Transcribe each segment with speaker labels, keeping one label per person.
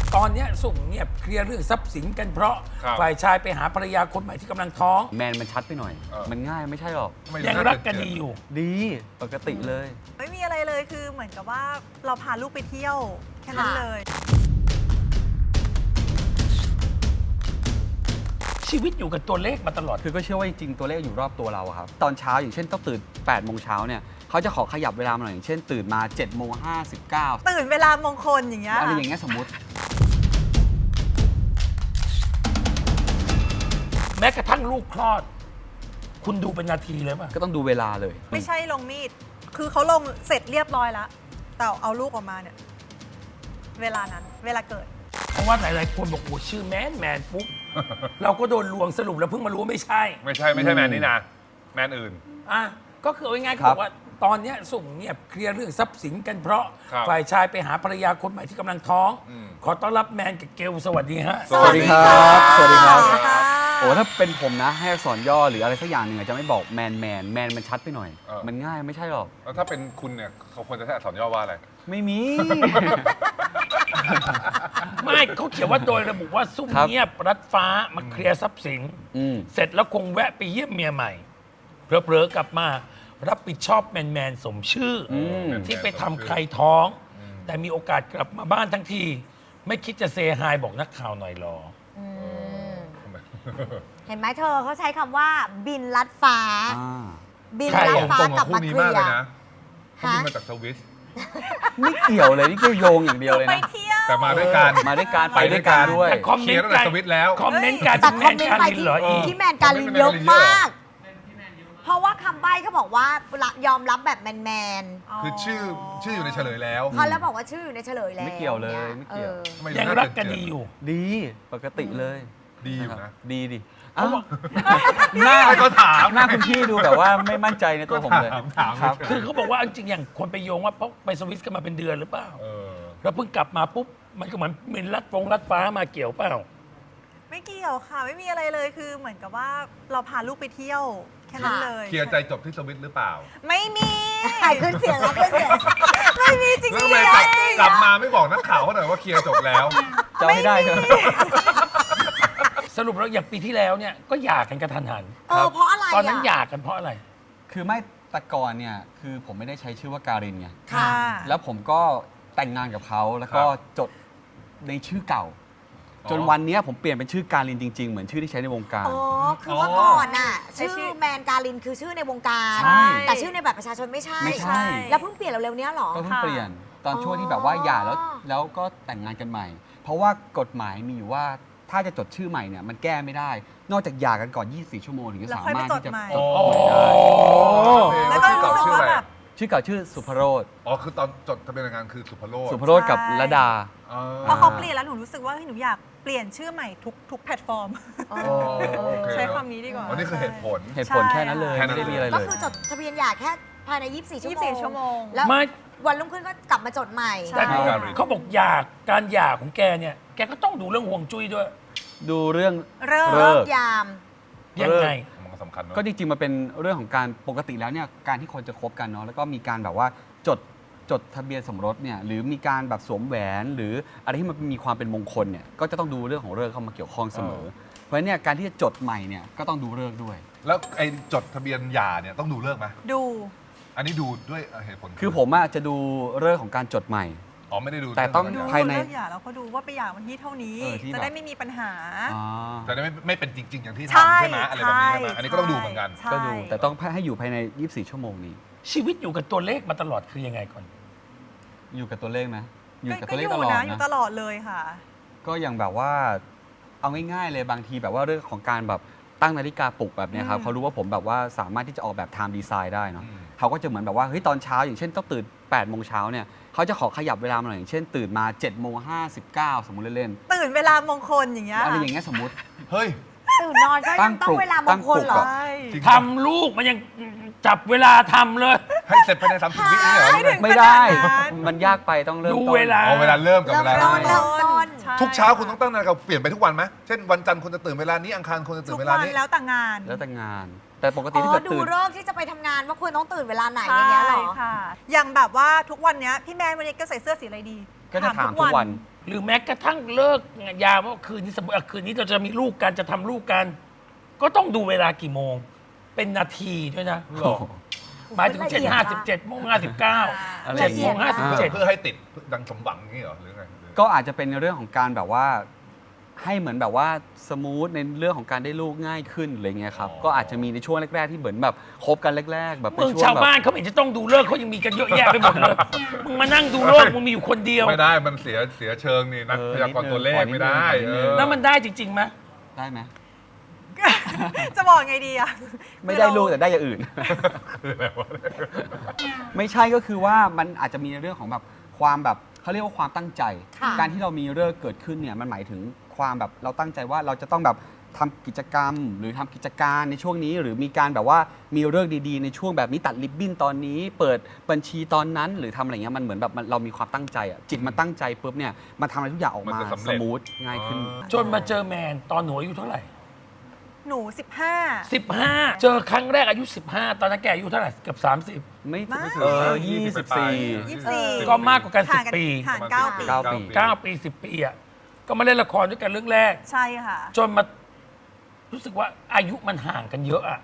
Speaker 1: ตอนเนี้ยสุ่มเงียบเคลียร์เรื่องทรัพย์สินกันเพราะ
Speaker 2: ครับ
Speaker 1: ฝ่ายชายไปหาภรรยาคนใหม่ที่กำลังท้อง
Speaker 3: แมนมันชัดไปหน่อย มันง่ายไม่ใช่หรอก
Speaker 2: ไม่
Speaker 1: ยังรักกันดีอยู่
Speaker 3: ดีปกติเลย
Speaker 4: ไม่มีอะไรเลยคือเหมือนกับว่าเราพาลูกไปเที่ยวแค่นั้นเลย
Speaker 1: ชีวิตอยู่กับตัวเลขมาตลอด
Speaker 3: คือก็เชื่อว่าจริงๆตัวเลขอยู่รอบตัวเราอะครับ ตอนเช้าอย่างเช่นต้องตื่น8โมงเช้าเนี่ยเขาจะขอขยับเวลามาหน่อยอย่างเช่นตื่นมา7โมง59
Speaker 4: ตื่นเวลามงคลอย่างเงี้ย
Speaker 3: อะไรอย่างเงี้ยสมมติ
Speaker 1: แม้กระทั่งลูกคลอด คุณดูเป็นนาทีเลยป่ะ
Speaker 3: ก็ต้องดูเวลาเลย
Speaker 4: ไม่ใช่ลงมีด คือเขาลงเสร็จเรียบร้อยแล้ว แต่เอาลูกออกมาเนี่ย เวลานั้น เวลาเกิด
Speaker 1: เพราะว่าหลายๆคนบอกโอ้ชื่อแมนปุ๊บ เราก็โดนลวงสรุปแล้วเพิ่งมารู้ว่าไม่ใช่
Speaker 2: ไม่ใช่แมนนี่นะแมนอื่น
Speaker 1: อ่ะก็คือเอาง่ายๆ
Speaker 3: ครั
Speaker 1: เขา
Speaker 3: บ
Speaker 1: บอกว่าตอนเนี้ยสุ่มเงียบเคลียร์เรื่องทรัพย์สินกันเพราะ
Speaker 2: ครับ
Speaker 1: ฝ่ายชายไปหาภรรยาคนใหม่ที่กำลังท้อง
Speaker 2: อืม
Speaker 1: ขอต้อนรับแมนกับเกลสวัสดีฮะ
Speaker 3: สวัสดีครับ สวัสดีครับ
Speaker 4: สวัสดีค่ะ
Speaker 3: โอ้ถ้าเป็นผมนะให้อักษรย่อหรืออะไรสักอย่างหนึ่งอะจะไม่บอกแมนมันชัดไปหน่อย มันง่ายไม่ใช่หรอก
Speaker 2: แล้วถ้าเป็นคุณเนี่ยเขาควรจะใช้อักษรย่อว่าอะไร
Speaker 3: ไม่มี
Speaker 1: ไม่เขาเขียนว่าโดยระบุว่าซุ่ม
Speaker 3: ครับ
Speaker 1: เงียบรัดฟ้ามาเคลียร์ทรัพย์สิน
Speaker 3: อืม
Speaker 1: เสร็จแล้วคงแวะไปเยี่ยมเมียใหม่เผลอๆกลับมา รับผิดชอบแมนสมชื่ออ
Speaker 3: ม
Speaker 1: ที่ไปทำใครท้อง แต่มีโอกาสกลับมาบ้านทั้งที ไม่คิดจะเซฮายบอกนักข่าวหน่อยหรอ
Speaker 5: อืม
Speaker 2: ทำไม
Speaker 5: เห็นไหมเธอเขาใช้คำว่าบินลัดฟ้า
Speaker 3: อ่า
Speaker 5: บิน
Speaker 1: ใคร
Speaker 5: ลัด
Speaker 1: อะ
Speaker 5: ฟ้า
Speaker 2: ตรง
Speaker 5: กลั
Speaker 2: กับบ คู่
Speaker 5: มา
Speaker 2: นี้
Speaker 5: เคลี
Speaker 2: มาก
Speaker 5: ย
Speaker 2: เลย
Speaker 5: ร์
Speaker 2: นะเขาบิน
Speaker 5: ฮะ
Speaker 2: มาจากสวิส
Speaker 3: ไม่เกี่ยวเลยนี่แค่โยงอย่างเดียวเลย
Speaker 4: ไป
Speaker 3: นะ
Speaker 4: เที่ยว
Speaker 2: แต่มาด้วยกัน
Speaker 3: มาด้วยการไปด้วยกันด้วย
Speaker 1: แต่คอม
Speaker 2: เค
Speaker 1: เม
Speaker 2: ลี
Speaker 1: น
Speaker 2: ยร์
Speaker 1: ต์
Speaker 2: ตั้งแต่สวิตแล้ว
Speaker 1: คอมเมนต์การ
Speaker 5: แต่
Speaker 1: เป็น
Speaker 5: ค
Speaker 1: แม
Speaker 5: อม
Speaker 1: น
Speaker 5: เมน
Speaker 1: กา
Speaker 5: ต์ไป
Speaker 1: ลินเหรออีก
Speaker 5: ที่แมนการลินเยอะมาก เพราะว่าคำใบ้เขาบอกว่ายอมรับแบบแมน
Speaker 2: คือชื่ออยู่ในเฉลยแล้ว
Speaker 5: ๆเขาแล้วบอกว่าชื่ออยู่ในเฉลยแล้ว
Speaker 3: ไม่เกี่ยวเลยไม่เกี่ยว
Speaker 5: ออ
Speaker 2: ทำไม
Speaker 1: ยังรักกันดีอยู่
Speaker 3: ดีปกติเลย
Speaker 2: ดีอยู่นะ
Speaker 3: ดีดิ
Speaker 1: เขาบอก
Speaker 3: หน้า
Speaker 2: ก็ถาม
Speaker 3: หน้าคุณพี่ดูแบบว่าไม่มั่นใจในตัวผมเลย
Speaker 2: ถาม
Speaker 3: ครับ
Speaker 1: คือเขาบอกว่าจริงๆอย่างคนไปโยงว่าเพราะไปสวิสกันมาเป็นเดือนหรือเปล่า
Speaker 2: เออ
Speaker 1: แล้วเพิ่งกลับมาปุ๊บ มันก็เหมือนเป็นรัดฟ้ามาเกี่ยวเปล่า
Speaker 4: ไม่เกี่ยวค่ะ ไม่มีอะไรเลยคือเหมือนกับว่าเราพาลูกไปเที่ยวแค่นั้นเลย
Speaker 2: เคลียร์ใจจบที่สวิตหรือเปล่า
Speaker 4: ไม่มี
Speaker 5: ขึ้นเสียงแล้วขึ้นเสียง
Speaker 4: ไม่มีจริง
Speaker 2: แล้ว
Speaker 4: ๆ
Speaker 2: ทำไม
Speaker 4: เลย
Speaker 2: กลับมาไม่บอกนักข่าวเขาหน่อยว่าเคลียร์จบแล้ว
Speaker 3: จะเอาให้ได้ใช่ไหม
Speaker 1: สรุปแล้วอย่างปีที่แล้วเนี่ยก็หย่ากันกระทันหัน
Speaker 5: เพราะอะไร
Speaker 1: ตอนนั้นห
Speaker 5: อ่ะ
Speaker 1: ย่ากันเพราะอะไร
Speaker 3: คือไม่แตะกอนเนี่ยคือผมไม่ได้ใช้ชื่อว่าการินไง
Speaker 4: ค่ะ
Speaker 3: แล้วผมก็แต่งงานกับเขาแล้วก็
Speaker 2: ครับ
Speaker 3: จดในชื่อเก่า
Speaker 2: อ๋อ
Speaker 3: จนวันเนี้ยผมเปลี่ยนเป็นชื่อการินจริง ๆ เหมือนชื่อที่ใช้ในวงการ
Speaker 5: อ๋อ คือเมื่อก่อนน่ะ
Speaker 4: ใช้ชื่
Speaker 5: ชื่
Speaker 4: อ
Speaker 5: อแมนการินคือชื่อในวงการ
Speaker 3: ใช่
Speaker 5: แต่ชื่อในบัตรประชาชนไม่ใช่
Speaker 3: ไม่ใช่
Speaker 5: แล้วเพิ่งเปลี่ยนเร็วๆเนี้ยเหรอ
Speaker 3: ก็เพิ่ง
Speaker 4: ค่ะ
Speaker 3: เปลี่ยนตอนช่วงที่แบบว่าหย่าแล้วก็แต่งงานกันใหม่ เพราะว่ากฎหมายมีอยู่ว่าถ้าจะจดชื่อใหม่เนี่ยมันแก้ไม่ได้ นอกจากหย่ากันก่อน 24 ชั่วโมงถึงจะ
Speaker 4: แล้ว
Speaker 3: สา
Speaker 4: ค่อยไป
Speaker 3: มารถ
Speaker 4: จด
Speaker 3: ที่จะ
Speaker 4: ใหม่
Speaker 3: จด
Speaker 1: โอ้
Speaker 3: ใหม่ได้
Speaker 4: แล้วก็รู้สึกว่าแบบ
Speaker 3: ชื่อเก่าชื่อสุภโรธ
Speaker 2: อ๋อคือตอนจดทะเบียนแต่งงานคือสุภโรจน์
Speaker 3: สุภโรธกับระดา
Speaker 2: อ๋อ
Speaker 4: พอเขาเปลี่ยนแล้วหนูรู้สึกว่าเฮ้ยหนูอยากเปลี่ยนชื่อใหม่ทุกแพลตฟอร์ม
Speaker 3: อ๋อ
Speaker 2: โอเค
Speaker 4: ใช้คำนี้ดีกว่า
Speaker 2: อันนี้คือเหตุผล
Speaker 3: เหตุผลแค่นั้นเลย
Speaker 2: แค่นั้น
Speaker 3: ไม่ได้มีอะไร
Speaker 5: ก็
Speaker 3: เลย
Speaker 5: คือจดทะเบียนหย่าแค่ภายใน 24 ชั่วโมง
Speaker 4: 24 ชั่วโมง
Speaker 5: แล้ว
Speaker 1: ไม่
Speaker 5: วันรุ่งขึ้นก็กลับมาจดใหม่
Speaker 4: ใช่
Speaker 1: แต่
Speaker 2: การิน
Speaker 1: เขาบอกการหย่าของแกเนี่ย แกก็ต้องดูเรื่องห่วงจุ้ยด้วย
Speaker 3: ดูเรื่อง
Speaker 4: เริ่ม
Speaker 3: เลิก
Speaker 5: ยาม
Speaker 1: ยังไง
Speaker 2: มันก็สำคัญเนอะ
Speaker 3: ก็จริงๆมันเป็นเรื่องของการปกติแล้วเนี่ยการที่คนจะคบกันเนาะแล้วก็มีการแบบว่าจดทะเบียนสมรสเนี่ยหรือมีการแบบสวมแหวนหรืออะไรที่มันมีความเป็นมงคลเนี่ยก็จะต้องดูเรื่องของฤกษ์เข้ามาเกี่ยวข้องเสมอ เพราะฉะนั้นเนี่ยการที่จะจดใหม่เนี่ยก็ต้องดูฤกษ์ด้วย
Speaker 2: แล้วไอ้จดทะเบียนหย่าเนี่ยต้องดูเลิกไหม
Speaker 4: ดู
Speaker 2: อันนี้ดูด้วยเหตุผล
Speaker 3: คือผมอะจะดูฤกษ์ของการจดใหม่
Speaker 2: อ๋อไม่ได้ดู
Speaker 3: แต่ต้อง
Speaker 2: เรื่
Speaker 4: ดู
Speaker 2: ข
Speaker 3: ภายใน
Speaker 4: เลิกหย่าแล้วก็ดูว่าไปหย่าวันที่เท่านี้
Speaker 3: ที่
Speaker 4: จะ
Speaker 3: แบบ
Speaker 4: ได้ไม่มีปัญหา
Speaker 3: อ๋อ
Speaker 2: แต่ไม่เป็นจริง ๆ อย่างที่
Speaker 4: ใช่
Speaker 2: ทำใช่ไหมอะไรแบบนี้ใช่ไหมอันนี้ก็ต้องดูเหมือนกัน
Speaker 4: ใช่
Speaker 3: ก็ดูแต่ต้องให้อยู่ภายใน 24 ชั่วโมงนี้
Speaker 1: ชีวิตอยู่กับตัวเลขมาตลอดคือยังไงก่อน
Speaker 3: อยู่กับตัวเลขไหมอยู่กับ
Speaker 4: ก็
Speaker 3: ตัวเล
Speaker 4: อ
Speaker 3: ข
Speaker 4: ยู่
Speaker 3: ตลอด
Speaker 4: นะอยู่
Speaker 3: นะ
Speaker 4: ตลอดเลยค่ะ
Speaker 3: ก็อย่างแบบว่าเอาง่ายๆเลยบางทีแบบว่าเรื่องของการแบบตั้งนาฬิกาปลุกแบบเนี้ยครับ
Speaker 4: อืม
Speaker 3: เขารู้ว่าผมแบบว่าสามารถที่จะออกแบบ time design ได้เนาะ
Speaker 2: อืม
Speaker 3: เขาก็จะเหมือนแบบว่าเฮ้ยตอนเช้าอย่างเช่นต้องตื่น8โมงเช้าเนี่ยเขาจะขอขยับเวลามาหน่อยอย่างเช่นตื่นมา7โมง59สมมุติเล่น
Speaker 4: ตื่นเวลามงคลอย่างเงี้
Speaker 3: ๆ
Speaker 4: ย
Speaker 3: อะไรอย่างเงี้ยสมมุติ
Speaker 2: เฮ้ย
Speaker 5: ตื่นนอนก็
Speaker 3: ตั้
Speaker 5: ยัง
Speaker 3: ง
Speaker 5: ต้อ
Speaker 3: ปลุ
Speaker 5: ง
Speaker 3: ก
Speaker 5: เวลามงคลเหร
Speaker 3: ตั้งปลุก
Speaker 5: อ
Speaker 3: อะ
Speaker 4: ใช่
Speaker 2: จริง
Speaker 1: ทำลูกมันยังจับเวลาทำเลย
Speaker 2: ให้เสร็จภายใน30 วินี่เหรอ
Speaker 4: ไม่ถึง
Speaker 3: ไม่ได้
Speaker 4: ขนาดนั้น
Speaker 3: มันยากไปต้องเริ่ม
Speaker 1: ดู
Speaker 3: ต้น
Speaker 1: เวลา
Speaker 2: เอาเวลาเริ่มกับเวลา
Speaker 5: เริ่มต้น
Speaker 2: เริ่ม
Speaker 4: ใช่
Speaker 2: ทุกเช้าคุณต้องตั้งนาฬิกาเปลี่ยนไปทุกวันไหมเช่นวันจันทร์คุณจะตื่นเวลานี้อังคารคุณจะตื่
Speaker 4: ทุ
Speaker 2: น
Speaker 4: ก
Speaker 2: เวลา
Speaker 4: วัน
Speaker 2: นี้
Speaker 4: แล้วแต่งาน
Speaker 3: แล้วแต่งาน แต่ปกติ
Speaker 5: อ๋
Speaker 3: ถ้า
Speaker 5: อ
Speaker 3: เกิด
Speaker 5: ดู
Speaker 3: ตื่น
Speaker 5: เลิกษ์ที่จะไปทำงานว่าควรต้องตื่นเวลาไหนอ
Speaker 4: ใช่
Speaker 5: ย่างเงี้ยเหรอ
Speaker 4: ค่ะ อย่างแบบว่าทุกวันเนี้ยพี่แมนวันนี้ก็ใส่เสื้อสีอะไรดี
Speaker 3: ก็จะถามทุกวัน
Speaker 1: หรือแม้กระทั่งเลิกยามว่าคืนนี้สมมติคืนนี้เราจะมีลูกกันจะทำลูกกัน ก็ต้องดูเวลากี่โมง เป็นนาทีด้วยนะ
Speaker 2: หรอ
Speaker 1: หมายถึง7:57โมง59
Speaker 3: อะไร
Speaker 1: 7โมง
Speaker 2: เพื่อ
Speaker 1: 57
Speaker 2: ให้ติดดังสมหวังนี่เหรอหรือไง
Speaker 3: ก็อาจจะเป็นในเรื่องของการแบบว่าให้เหมือนแบบว่าสมูทในเรื่องของการได้ลูกง่ายขึ้นอะไรเงี้ยครับก็อาจจะมีในช่วงแรกๆที่เหมือนแบบคบกันแรกๆแบบเป็
Speaker 1: มึ
Speaker 3: น
Speaker 1: ง
Speaker 3: ช่วง
Speaker 1: ชาว
Speaker 3: แบบ
Speaker 1: บ้านเขาไม่เห็นจะต้องดูเลิกเขายังมีกันเยอะแยะไปหมดเลยมึงมานั่งดูเลิกมึงมีอยู่คนเดียว
Speaker 2: ไม่ได้มันเสียเชิงนี่นักพยากรณ์ตัวเลขไม่ได้
Speaker 3: นิดนึง
Speaker 1: แล้วมันได้จริงๆไหม
Speaker 3: ได้ไหม
Speaker 4: จะบอกไงดีอะ
Speaker 3: ไม่ได้ลูกแต่ได้อย่างอื่น
Speaker 2: คืออะไรวะ
Speaker 3: ไม่ใช่ก็คือว่ามันอาจจะมีในเรื่องของแบบความแบบเขาเรียกว่าความตั้งใจ
Speaker 5: ค่ะ
Speaker 3: การที่เรามีเลิกษ์เกิดขึ้นเนี่ยมันหมายถึงความแบบเราตั้งใจว่าเราจะต้องแบบทำกิจกรรม หรือทำกิจการในช่วงนี้ หรือมีการแบบว่ามีเลิกษ์ดีๆในช่วงแบบนี้ตัดริบบิ้นตอนนี้ เปิดบัญชีตอนนั้น หรือทำอะไรเงี้ยมันเหมือนแบบเรามีความตั้งใจอ่ะจิตมันตั้งใจปุ๊บเนี่ยมันทำอะไรทุกอย่างออกมาสมูทง่ายขึ้น
Speaker 1: จนมาเจอแมนตอนหนูอายุเท่าไหร่
Speaker 4: หนู 15
Speaker 1: 15 เจอครั้งแรกอายุ 15 ตอนนั้นแกอายุเท่าไหร่เกือบ30
Speaker 3: ไม่ถึง
Speaker 4: ไม่
Speaker 3: 24
Speaker 1: ก็มากกว่ากัน
Speaker 4: ห่าง
Speaker 1: 10 ปี
Speaker 4: ห่าง9 ปี
Speaker 3: 9 ปี
Speaker 1: 9 ปี 10 ปีอ่ะก็มาเล่นละครด้วยกันเรื่องแรก
Speaker 4: ใช่ค่ะ
Speaker 1: จนมารู้สึกว่าอายุมันห่างกันเยอะอ่ะ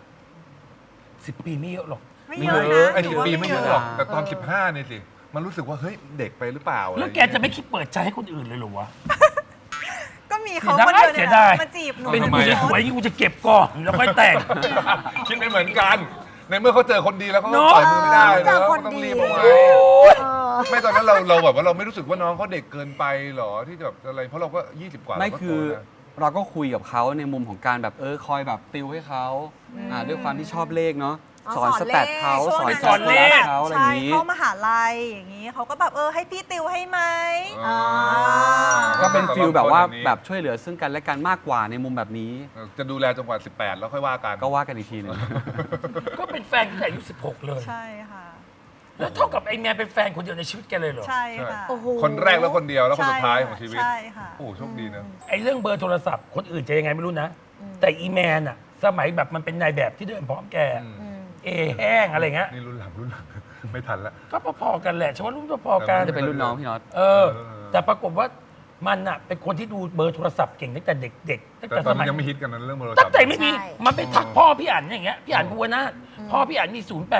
Speaker 1: 10 ปีไม่เยอะหรอก
Speaker 4: ไม่เยอะ
Speaker 3: ไม่เย
Speaker 4: นะ
Speaker 3: อะ
Speaker 2: ไอ้
Speaker 4: หนู
Speaker 2: 10
Speaker 4: ว่า
Speaker 2: ปีไม่เยอะหรอก แต่ตอน
Speaker 3: เออ
Speaker 2: 15เนี่ยสิ มันรู้สึกว่า เฮ้ย เด็กไปหรือเปล่า
Speaker 1: แล้วแกจะไม่คิดเปิดใจให้คนอื่นเลยเหรอวะ
Speaker 4: ก็มีเขา
Speaker 1: เสีย
Speaker 4: คน
Speaker 1: ดาย
Speaker 4: เดียว
Speaker 1: เสี
Speaker 4: เนี่ย
Speaker 1: ยดาย
Speaker 4: มาจีบหนู
Speaker 1: เป็น
Speaker 2: ทำไม
Speaker 1: กูจะ
Speaker 2: อะ
Speaker 1: สวยนี่กูจะเก็บก่อนแล้วค่อยแต่ง
Speaker 2: คิดไม่เหมือนกัน ในเมื่อเขาเจอคนดีแล้วเขาก็
Speaker 1: เนอะ
Speaker 2: ปล่อยมือไม่ได้
Speaker 5: เจ
Speaker 2: แล้
Speaker 5: อ
Speaker 2: ว
Speaker 5: คน
Speaker 2: ต้อง
Speaker 5: ดี
Speaker 2: รีบเอาไว้
Speaker 5: เออ
Speaker 2: ไม่ตอนนั้นเราแบบว่าเราไม่รู้สึกว่าน้องเขาเด็กเกินไปหรอที่จะแบบอะไร เพราะเราก็ 20 กว่า
Speaker 3: ไม่
Speaker 2: เราก็
Speaker 3: คือ
Speaker 2: โตนะ
Speaker 3: เราก็คุยกับเขาในมุมของการแบบคอยแบบติวให้เขาด้วยความที่ชอบเลขเนาะ
Speaker 5: อ๋อ
Speaker 3: สอน
Speaker 5: ส
Speaker 3: ส
Speaker 5: อนเลข
Speaker 3: แตทเขา
Speaker 4: ช่วง
Speaker 3: สอน
Speaker 4: นั้น
Speaker 3: การ
Speaker 1: เลข
Speaker 3: เขาอะไรอ
Speaker 4: ใช่
Speaker 3: ย่างนี้
Speaker 4: เข้ามหาลัยอย่างนี้เขาก็แบบให้พี่ติวให้ไหม
Speaker 2: อ๋อ
Speaker 3: ก็เป็นฟิลแบบว่า
Speaker 2: ตอนนี้
Speaker 3: แบบช่วยเหลือซึ่งกันและกันมากกว่าในมุมแบบนี้
Speaker 2: จะดูแลจนกว่า 18 แล้วค่อยว่ากัน
Speaker 3: ก็ว่ากันอีกทีหนึง
Speaker 1: ก็เป็นแฟนตั้งแต่อายุ16 เลย
Speaker 4: ใช่ค่ะ
Speaker 1: แล้วเท่ากับไอ้แมนเป็นแฟนคนเดียวในชีวิตแกเลยเหรอ
Speaker 4: ใช่ค่ะ
Speaker 5: โอ้โห
Speaker 2: คนแรกแล้วคนเดียวแล้วคนสุดท้ายของชีวิต
Speaker 4: ใช่ค่ะ
Speaker 2: โอ้โหโชคดีนะ
Speaker 1: ไอ้เรื่องเบอร์โทรศัพท์คนอื่นจะยังไงไม่รู้นะ แต่อีแมนอะสมัยแบบมันเป็นนายแบบที่เดินพร้อมแก เอแห้งอะไรเงี้ย
Speaker 2: นี่รุ่นหลัง ไม่ทันละ
Speaker 1: ก็พอๆกันแหละฉันว่ารุ่นพอๆกัน
Speaker 3: จะเป็นรุ่นน้องพี่น็อต
Speaker 1: แต่ปรากฏว่ามันอะเป็นคนที่ดูเบอร์โทรศัพท์เก่งตั้งแต่เด็กๆตั้ง
Speaker 2: แต่
Speaker 1: แต่
Speaker 2: ตอ
Speaker 1: ส
Speaker 2: น
Speaker 1: มั
Speaker 2: นั้น
Speaker 1: ย
Speaker 2: ยังไม่ฮิตกันนะเรื่องโทรศัพ
Speaker 1: ตั้ง
Speaker 2: ท์
Speaker 1: แต่ไม่มี
Speaker 5: ใช่
Speaker 1: มันไปทักพ่อพี่อั๋นอย่างเงี้ยพี่อั๋นภูวนาถพ่อพี่อั๋นมี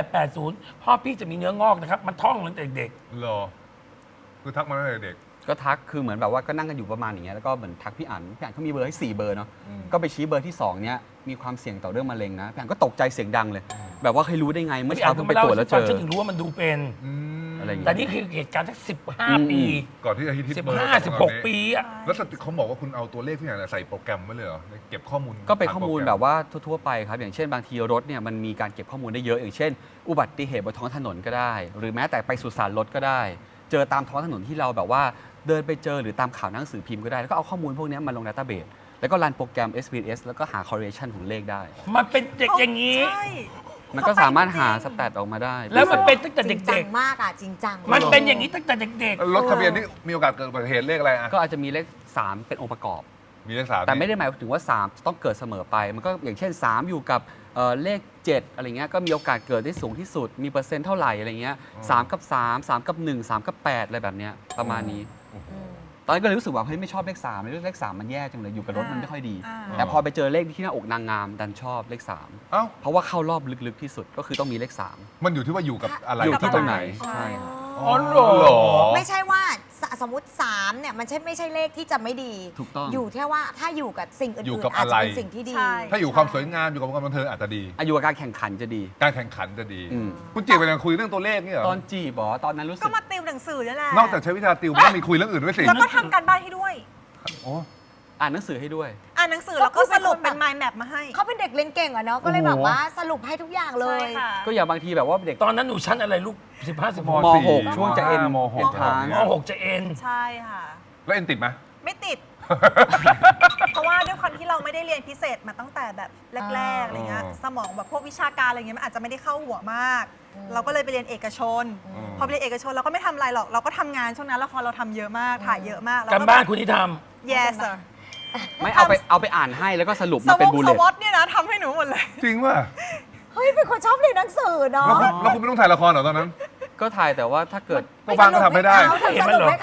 Speaker 1: 0880พ่อพี่จะมีเนื้องอกนะครับมันท่องตั้งแต่เด็ก
Speaker 2: เหรอคือทักมาตั้งแต่เด็ก
Speaker 3: ก็ทักคือเหมือนแบบว่าก็นั่งกันอยู่ประมาณอย่างเงี้ยแล้วก็เหมือนทักพี่อั๋นเขามีเบอร์ให้4เบอร์เนาะก็ไปชี้เบอร์ที่2เนี้ยมีความเสี่ยงต่อเรื่องมะเร็งนะพี่อั๋นก็ตกใจเสียงดังเลย แบบว่าเคยรู้ได้ไงเมื่อ
Speaker 1: พี่
Speaker 3: เช้า
Speaker 1: อั๋น
Speaker 3: เพิ่
Speaker 1: ก็
Speaker 3: ง
Speaker 1: มา
Speaker 3: ไป
Speaker 1: เล่า
Speaker 3: ตรวจ
Speaker 1: ให้
Speaker 3: แล้ว
Speaker 1: ฟั
Speaker 3: เจ
Speaker 1: ง
Speaker 3: อ
Speaker 1: ฉันถึงรู้ว่ามันดูเป็น
Speaker 3: อะไรอย่าง
Speaker 1: แต่
Speaker 3: เงี้ย
Speaker 1: นี่คือเหตุการณ์สัก15 ปี
Speaker 2: ก่อนที่จะฮิตเบอร์
Speaker 1: 15 16 ปีอะ
Speaker 2: แล้วเขาบอกว่าคุณเอาตัวเลขที่ไหนใส่โปรแกรมไว้เลยเหรอเก็บข้อมูล
Speaker 3: ก็เป็นข้อมูลแบบว่าทั่วๆไปครับอย่างเช่นบางทีรถเนี่ยมันมีการเก็บข้อมูลได้เยอะ อย่างเช่น อุบัติเหตุบนท้องถนนก็ได้ หรือแม้แต่ไปสุสานรถก็ได้ เจอตามท้องถนนที่เราแบบว่าเดินไปเจอหรือตามข่าวหนังสือพิมพ์ก็ได้แล้วก็เอาข้อมูลพวกนี้มาลง database แล้วก็รันโปรแกรม SPSS แล้วก็หา correlation ของเลขได้
Speaker 1: มันเป็นเด็กอย่างนี้
Speaker 4: ใช่
Speaker 3: มันก็สามารถหาสแตทออกมาได้
Speaker 1: แล้วมันเป็นตั้งแต่
Speaker 5: จริงจั
Speaker 1: เด็
Speaker 5: ง
Speaker 1: ก
Speaker 5: มากอ่ะ จริงจัง
Speaker 1: ๆ มันเป็นอย่างนี้ตั้งแต่เด็ก
Speaker 2: รถทะเบียนนี่มีโอกาสเกิดอุบัติเหตุเลขอะไรอ่ะ
Speaker 3: ก็อาจจะมีเลข 3 เป็นองค์ประกอบ
Speaker 2: มีเลข3
Speaker 3: แต่ไม่ได้หมายถึงว่า 3 ต้องเกิดเสมอไป มันก็อย่างเช่น 3 อยู่กับเลข 7 อะไรเงี้ยก็มีโอกาสเกิดได้สูงที่สุดมีเปอร์เซ็นต์เท่าไหร่อะไรเงี้ย3 กับ 3 3 กับ 1 3 กับ 8 อะไรแบบเนี้ยประมาณนี้ ตอนนั้นก็เลยรู้สึกว่าเฮ้ยไม่ชอบเลข3เลข 3 มันแย่จังเลยอยู่กับรถมันไม่ค่อยดี แต่พอไปเจอเลขที่หน้าอกนางงามดันชอบเลข 3
Speaker 2: เอ้า
Speaker 3: เพราะว่าเข้ารอบลึกๆที่สุดก็คือต้องมีเลข
Speaker 2: มันอยู่ที่ว่าอยู่กับอะไร
Speaker 3: อยู่ที่ตรงไหน
Speaker 4: ใช่
Speaker 3: ใช่ครับ
Speaker 1: ๆอ๋อเหรอ
Speaker 2: เหรอ
Speaker 5: ไม่ใช่ว่าสมมติ3เนี่ยมันไม่ใช่เลขที่จะไม่ดี
Speaker 3: ถูกต้อง
Speaker 5: อยู่แค่ว่าถ้าอยู่กับสิ่ง
Speaker 2: อยู่
Speaker 5: อื่น
Speaker 2: กับ
Speaker 5: ๆอาจจะเป็น
Speaker 2: อะไร
Speaker 5: สิ่งที่ดี
Speaker 4: ใช่
Speaker 2: ถ้าอยู่ความสวยงามอยู่กับความบันเทิงอาจจะดี
Speaker 3: อายุกับการแข่งขันจะดี
Speaker 2: การแข่งขันจะดี
Speaker 3: อืม
Speaker 2: คุณจีบกันยังคุยเรื่องตัวเลขนี่เหรอ
Speaker 3: ตอนจีบเหรอตอนนั้นรู้สึ
Speaker 4: ก็
Speaker 3: ก
Speaker 4: มาติวหนังสือนี่แหละ
Speaker 2: นอกจากใช้วิชาติวมันต้องมีคุยเรื่องอื่นด้วยสิ
Speaker 4: แล้วก็ทำการบ้านให้ด้วย
Speaker 2: โอ้
Speaker 3: อ่านหนังสือให้ด้วย
Speaker 4: อ่านหนังสือแล้วก็สรุปเป็น mind map มาให้
Speaker 5: เขาเป็นเด็กเรียนเก่งอะเนาะก็เลยแบบว่าสรุปให้ทุกอย่างเลย
Speaker 4: ใช่ค่ะ
Speaker 3: ก็อย่างบางทีแบบว่าเด็ก
Speaker 1: ตอนนั้นหนูชั้นอะไรลูก 15 16
Speaker 3: ม .6 ช่วงจะเอ็น
Speaker 2: ม
Speaker 3: เอ็นทราน
Speaker 1: ม .6 จะเอ็น
Speaker 4: ใช่ค่ะ
Speaker 2: แล้วเอ็นติดไหม
Speaker 4: ไม่ติด เพราะว่าด้วยความที่เราไม่ได้เรียนพิเศษมาตั้งแต่แบบแรกๆอะไรเงี้ย
Speaker 2: อ๋อ
Speaker 4: สมองแบบพวกวิชาการอะไรเงี้ยมันอาจจะไม่ได้เข้าหัวมาก เราก็เลยไปเรียนเอกชน พอไปเรียนเอกชนเราก็ไม่ทำอะไรหรอกเราก็ทำงานช่วงนั้นละครเราทำเยอะมากถ่ายเยอะมากแล้ว
Speaker 1: การบ้านคุณที่ท
Speaker 4: yes sir
Speaker 3: ไม่เอาไปอ่านให้แล้วก็สรุป
Speaker 4: ส
Speaker 3: มาเป็น
Speaker 4: ว
Speaker 3: บู
Speaker 4: อ
Speaker 3: เล
Speaker 4: ต
Speaker 3: ต
Speaker 4: เนี่ยนะทำให้หนูหมดเลย
Speaker 2: จริงป่ะ
Speaker 5: เฮ้ย เป็นคนชอบเรียนหนังสือเนาะ
Speaker 2: แล้วคุณไม่ต้องถ่ายละครเหรอตอนนั้น
Speaker 3: ก็ถ่ายแต่ว่าถ้าเกิด
Speaker 2: ก็ว่างก็ทำไม่ได้
Speaker 5: สรุปให้เขา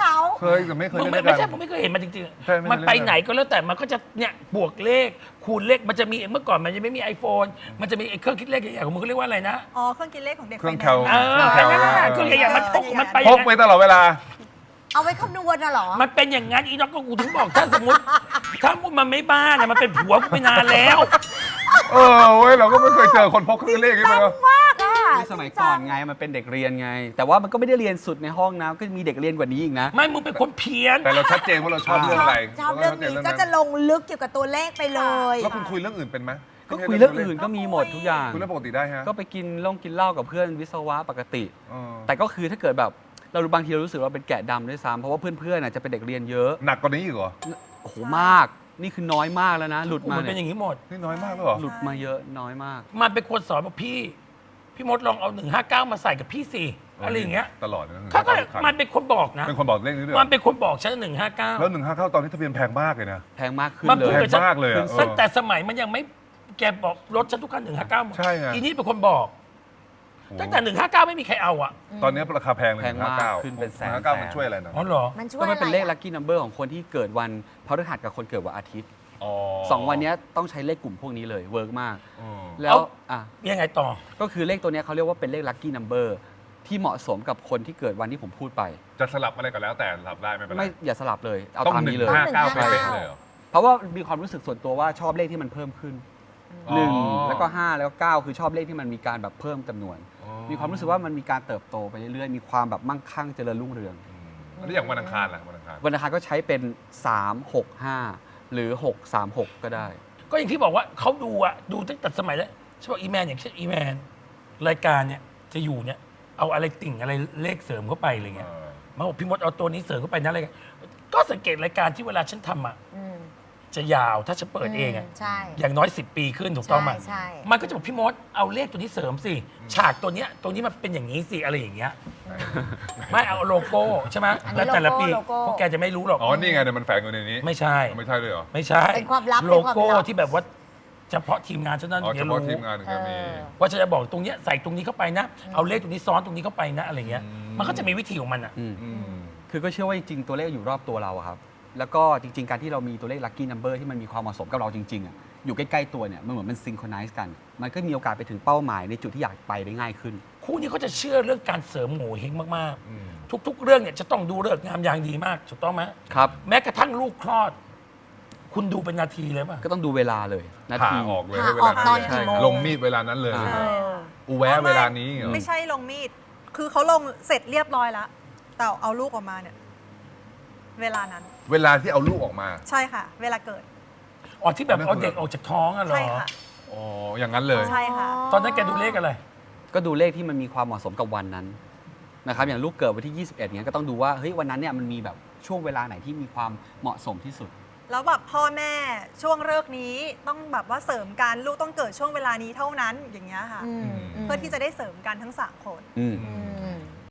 Speaker 2: เคยแต่ไม่เคย
Speaker 1: มึง
Speaker 2: เล่น
Speaker 1: ไม่
Speaker 2: ด้วยกั
Speaker 1: ใช่
Speaker 2: น
Speaker 1: ผมไม่เคยเห็นมันจริง
Speaker 2: ใช่ไม่
Speaker 1: ๆมัน
Speaker 2: เคยเล่น
Speaker 1: ไปไหนก็แล้วแต่มันก็จะเนี่ยบวกเลขคูณเลขมันจะมีเมื่อก่อนมันยังไม่มี iPhone มันจะมีไอ้เครื่องคิดเลขใหญ่ๆของมึงเขาเรียกว่าอะไรนะ
Speaker 4: อ๋อเครื่องคิดเลขของเด็ก
Speaker 2: เครื่อง
Speaker 4: ไฟ
Speaker 2: แค
Speaker 4: แน
Speaker 2: ล
Speaker 4: นซ์
Speaker 1: เออ
Speaker 2: เครื่องแคล
Speaker 1: นั่นน่ะเครื่องใหญ่ๆมันพกมันไป
Speaker 2: พกไปตลอดเวลา
Speaker 5: เอาไว้คำนวณน่ะเหรอ
Speaker 1: มันเป็นอย่างนั้นอีน็อกก็กูถึงบอกถ้าสมมติมันไม่บ้าเนี่ยมันเป็นผัวกูไปนานแล้ว
Speaker 2: เออเว้ยเราก็ไม่เคยเจอคนพกเครื่องเลขนี่มา
Speaker 5: มากอ่ะ
Speaker 3: ในสมัยก่อนไงมันเป็นเด็กเรียนไง แต่ว่ามันก็ไม่ได้เรียนสุดในห้องนะก็มีเด็กเรียนกว่านี้อีกนะ
Speaker 1: ไม่มึงเป็นคนเพี้ยน
Speaker 2: แต่เราชัดเจนว่าเราชอบเรื่องอะไร
Speaker 5: ชอบเรื่องนี้ก็จะลงลึกเกี่ยวกับตัวเลขไปเลย
Speaker 2: แล้วคุณคุยเรื่องอื่นเป็นไหม
Speaker 3: ก็คุยเรื่องอื่นก็มีหมดทุกอย่าง
Speaker 2: คุยเรื่องปกติได้ฮะ
Speaker 3: ก็ไปกินเหล้ากับเพื่อนวิศวะปกติ
Speaker 2: เออ
Speaker 3: แต่ก็คือถ้าเกิดแบบเราบางทีเรารู้สึกว่าเป็นแกะดำด้วยซ้ำเพราะว่าเพื่อนๆน่ะจะเป็นเด็กเรียนเยอะ
Speaker 2: หนักกว่านี้อีกเหรอ
Speaker 3: โอ้โหมาก นี่คือน้อยมากแล้วนะ หลุด
Speaker 1: กู
Speaker 3: มา
Speaker 1: มันเป็นอ
Speaker 3: เนี่ย
Speaker 1: ย่างนี้หมด
Speaker 2: นี่น้อยมากแล้วเหรอ
Speaker 3: หลุดมาเยอะน้อยมาก
Speaker 1: มันเป็นคนสอนบอกพี่มดลองเอา159มาใส่กับพี่สิอะไรอย่างเงี้ย
Speaker 2: ตลอดนะ
Speaker 1: เขาก็มันเป็นคนบอกนะ
Speaker 2: เป็นคนบอกเลขนี้ด้วยเหร
Speaker 1: มั
Speaker 2: อน
Speaker 1: เป็นคนบอกฉัน159
Speaker 2: แล้ว159ตอนนี้ทะเบียนแพงมากเลยนะ
Speaker 3: แพงมากขึ้น
Speaker 1: มัน
Speaker 3: เล
Speaker 1: พูด
Speaker 3: ย
Speaker 1: กับฉัน
Speaker 2: แพงมากเลยอะ
Speaker 1: ตั้งแต่สมัยมันยังไม่แกบอกรถฉันทุกคัน159หมด
Speaker 2: ใช่ไง
Speaker 1: อีนี่เป็นคนบอก ตั้งแต่159ไม่มีใครเอาอ่ะ
Speaker 2: ตอนนี้ราคาแพงเลย
Speaker 3: แพงมาก
Speaker 2: 159
Speaker 3: ขึ้นเป็นแสน
Speaker 2: 159มันช่วยอะไรนะ
Speaker 1: อ๋อเหรอ
Speaker 5: มันช่วย
Speaker 3: ก็
Speaker 5: อะไร
Speaker 3: มันเป็นเลข
Speaker 5: อะ
Speaker 3: ลัคกี้นัมเบอร์ของคนที่เกิดวันพฤหัสกับคนเกิดวันอาทิตย์
Speaker 2: อ๋อ
Speaker 3: สองวันเนี้ยต้องใช้เลขกลุ่มพวกนี้เลยเวิร์กมาก
Speaker 2: อืม
Speaker 3: แล้วอ่ะ
Speaker 1: ยังไงต่อ
Speaker 3: ก็คือเลขตัวเนี้ยเขาเรียกว่าเป็นเลขลัคกี้นัมเบอร์ที่เหมาะสมกับคนที่เกิดวันที่ผมพูดไป
Speaker 2: จะสลับอะไรก็แล้วแต่สลับได้ไม่เป็นไร
Speaker 3: ไม่อย่าสลับเลยเอา
Speaker 2: ต้อง
Speaker 3: ตามนี้เลย
Speaker 2: 159เป๊ะๆเลยเหรอ
Speaker 3: เพราะว่ามีความรู้สึกส่วนตัวว่าชอบเลขที่มันเพิ่มขึ้น
Speaker 2: อ๋อ
Speaker 3: 1 แล้วก็ 5 แล้วก็ 9 คือชอบเลขที่มันมีการแบบเพิ่มจำนวน
Speaker 2: อ๋อ
Speaker 3: มีความรู้สึกว่ามันมีการเติบโตไปเรื่อยๆ มีความแบบมั่งคั่งเจริญรุ่งเรือง
Speaker 2: แล้วอย่างวันอังคารล่ะวันอังคาร
Speaker 3: วันอังคารก็ใช้เป็น 3 6 5 หรือ 6 3 6 ก็ได้
Speaker 1: ก็อย่างที่บอกว่าเขาดูอะดูตั้งแต่สมัยแล้วฉันบอกอีแมนอย่างเช่นอีแมนรายการเนี่ยจะอยู่เนี่ยเอาอะไรติ่งอะไรเลขเสริมเข้าไปอะไรเงี้ยมาบอกพี่มดเอาตัวนี้เสริมเข้าไปนะอะไรเงี้ยก็สังเกตรายการที่เวลาฉันทำอะ
Speaker 5: อืม
Speaker 1: จะยาวถ้าฉันเปิดเองอะ
Speaker 5: ใช่
Speaker 1: อย่างน้อย10 ปีขึ้นถูกต้องไหม
Speaker 5: ใช่
Speaker 1: มันก็จะบอกพี่มดเอาเลขตัวนี้เสริมสิฉากตัวเนี้ยตัวนี้มันเป็นอย่างนี้สิอะไรอย่างเงี้ยไม่เอาโลโก้ใช่ไหม
Speaker 5: อันนี้
Speaker 1: แล้วแต่ละปี
Speaker 5: โลโก้
Speaker 1: พวกแกจะไม่รู้หรอก
Speaker 2: อ๋อ นี่ไงเนี่ยมันแฝงอยู่ในนี้
Speaker 1: ไม่ใช่
Speaker 2: ไม่ใช่เลยเหรอ
Speaker 1: ไม่ใช่
Speaker 5: เป็นความลับ
Speaker 1: โลโก้
Speaker 5: เป็นความลับ
Speaker 1: ที่แบบว่าเฉพาะทีมงานเท่านั้น
Speaker 2: อ๋อ
Speaker 1: ถึง
Speaker 2: เฉ
Speaker 1: จะ
Speaker 2: พาะ
Speaker 1: รู้
Speaker 2: ทีมงานถึงจะมี
Speaker 1: ว่าจะบอกตรงเนี้ยใส่ตรงนี้เข้าไปนะ เอาเลขตรงนี้ซ้อนตรงนี้เข้าไปนะอะไรเงี้ย มันก็จะมีวิธีของมันอ่ะ
Speaker 3: อืม
Speaker 2: อืม
Speaker 3: คือก็เชื่อว่าจริงๆ ตัวเลขอยู่รอบตัวเราอะครับ แล้วก็จริง ๆ การที่เรามีตัวเลขลัคกี้นัมเบอร์ที่มันมีความเหมาะสมกับเราจริงๆอะอยู่ใกล้ๆตัวเนี่ยมันเหมือนมันซิงโครไนซ์กัน มันก็มีโอกาสไปถึงเป้าหมายในจุดที่อยากไปได้ง่ายขึ้น
Speaker 1: คู่นี้เขาจะเชื่อเรื่องการเสริมโง่เฮงมาก
Speaker 2: อืม
Speaker 1: ๆ ทุก ๆ เรื่องเนี่ยจะต้องดูเลิกษ์งามยามดีมากถูกต้องไหม
Speaker 3: ครับ
Speaker 1: แม้กระทั่งลูกคลอด คุณดูเป็นนาทีเลยป่ะ
Speaker 3: ก็ต้องดูเวลาเลยนา
Speaker 2: ผ่า
Speaker 3: ที
Speaker 2: ออกเลย
Speaker 5: ผ่า
Speaker 2: ให้เว
Speaker 5: อ
Speaker 2: ลา
Speaker 5: อกตอน
Speaker 2: นั้น
Speaker 5: กี่
Speaker 2: เลย
Speaker 5: โมง
Speaker 2: ลงมีดเวลานั้นเลย
Speaker 3: อ่า
Speaker 5: เออ
Speaker 2: อูแวะเวลานี้เหรอ
Speaker 4: ไม่ใช่ลงมีด คือเขาลงเสร็จเรียบร้อยแล้ว แต่เอาลูกออกมาเนี่ย เวลานั้น
Speaker 2: เวลาที่เอาลูกออกมา
Speaker 4: ใช่ค่ะ เวลาเกิด
Speaker 1: อ๋อที่แบบเอาเด็กออกจากท้องอะเหรอ
Speaker 4: ใช่ค่ะ
Speaker 2: อ๋อ อย่างนั้นเลย
Speaker 4: ใช่ค่ะ
Speaker 1: ตอนนั้นแกดูเลขอะไร
Speaker 3: ก็ดูเลขที่มันมีความเหมาะสมกับวันนั้นนะครับอย่างลูกเกิดวันที่ 21เงี้ยก็ต้องดูว่าเฮ้ยวันนั้นเนี่ยมันมีแบบช่วงเวลาไหนที่มีความเหมาะสมที่สุด
Speaker 4: แล้วแบบพ่อแม่ช่วงเลิกษ์นี้ต้องแบบว่าเสริมกันลูกต้องเกิดช่วงเวลานี้เท่านั้นอย่างเงี้ยค่ะ
Speaker 5: อืม
Speaker 4: เพื่อที่จะได้เสริมกันทั้งสามคน
Speaker 3: อืม
Speaker 5: อืม